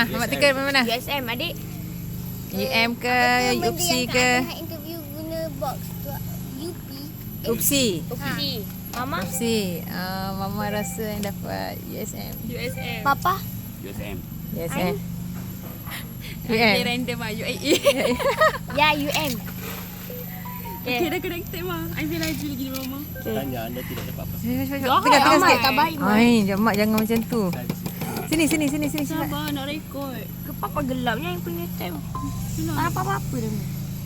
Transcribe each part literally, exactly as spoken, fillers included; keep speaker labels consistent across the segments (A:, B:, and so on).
A: Ha, Mak Tika mana?
B: U S M adik.
A: U M ke, U P S I ke?
C: Interview guna box tu U P.
A: U P S I.
B: U P S I. Mama?
A: U P S I. Uh, Mama rasa yang dapat U S M.
B: U S M.
C: Papa?
D: U S M.
A: U S M. U
B: Dia
A: M.
B: random ah U A E.
C: Ya, U M.
B: Okay, dah connected mah. I feel laju lagi ni mama.
D: Tanya anda tidak dapat apa.
A: Cepat, cepat, cepat.
B: Jahat,
A: Tengah, tengah
B: Amat.
A: sikit.
C: Tak baik, Mak.
A: Ai, Mak jangan macam tu. Sini, sini, sini, sini. Cepat.
B: Sabar nak rekod.
C: Ke papa gelapnya yang punya time.
B: Senang.
C: Tak apa-apa dah.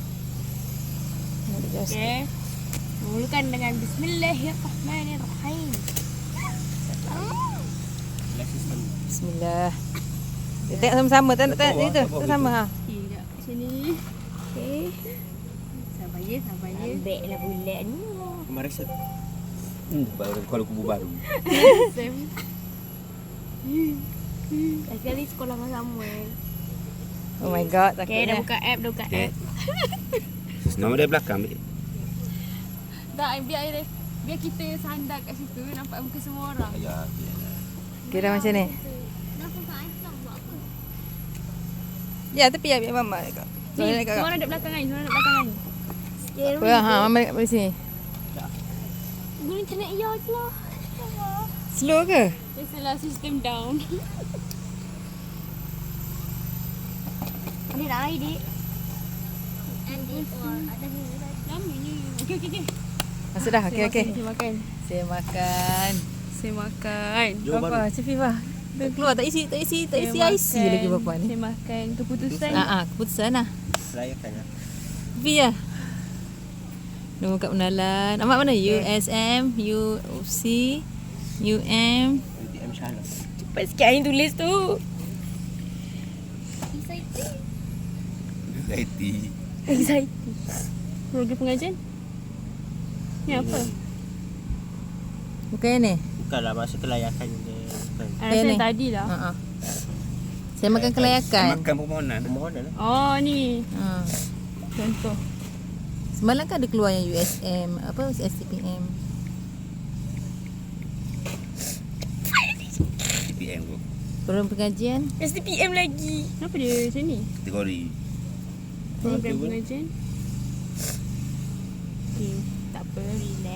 B: Okay. Mulakan dengan Bismillahirrahmanirrahim.
A: Bismillah. Dia tengok sama-sama. Tengok, tengok. Itu. Tak sama ha.
B: Okay, sekejap. Sini. Okay. Sabar ya, sabar ya.
C: Ambil lah bulat ni.
D: Kemarin saya. Hmm, baru kalau kubu baru.
B: Sam.
C: Sekali sekolah dengan Samuel.
A: Oh my god,
B: Okay, dah
A: takutnya.
B: buka app, dah buka
D: Okay.
B: app.
D: Nama dia belakang. Ambil.
B: Dah, biar biar kita sandar kat situ nampak muka semua orang.
D: Ya,
A: Kira macam ni.
C: Kenapa Kak Aisyah buat apa?
A: Ya, tapi ya, biar Mama dekat.
B: Ni,
A: Soalnya dekat.
B: semua orang duduk belakang kan? Semua orang duduk belakang kan?
A: Apa, ha, Mama dekat di sini.
C: Guna internet ya je lah.
A: Slow ke?
B: Biasalah sistem down.
C: Adik nak air, Dik. Adik, wah, ada ni.
B: Lamanya. Okey, okey, okey.
A: Masuk dah. Okey, okey.
B: Saya makan.
A: Saya makan.
B: Saya makan.
D: Jom
A: Apa? Cik Fifah. Dia keluar tak isi, tak isi, tak isi
B: Saya
A: I C
B: makan.
A: lagi bapa ni.
B: Saya makan. Keputusan.
A: Ah, ah, keputusan lah.
D: Rayakan lah.
A: Fi lah. Nombor kat pengenalan. Amat mana? U S M, U P S I, U M.
D: U T M Shalom.
B: Cepat sikit Ain tulis tu.
D: Anxiety.
B: Anxiety. Program pengajian? Ni apa?
A: Bukan yang ni?
D: Bukanlah masa kelayakan dia. Bukan.
B: Ah,
A: Yang
B: Rasa
A: ni?
B: tadi lah.
A: Ha ah. Saya makan kelayakan.
D: Makan permohonan. Permohonan lah.
B: Oh ni.
A: Ha.
B: Contoh.
A: Semalam kan ada keluar yang U S M, apa S T P M.
D: T P M tu.
A: Program pengajian.
B: S T P M lagi. Kenapa dia macam ni?
D: Kategori.
B: Program
D: Okey,
B: pengajian. Okay, tak apa, relax.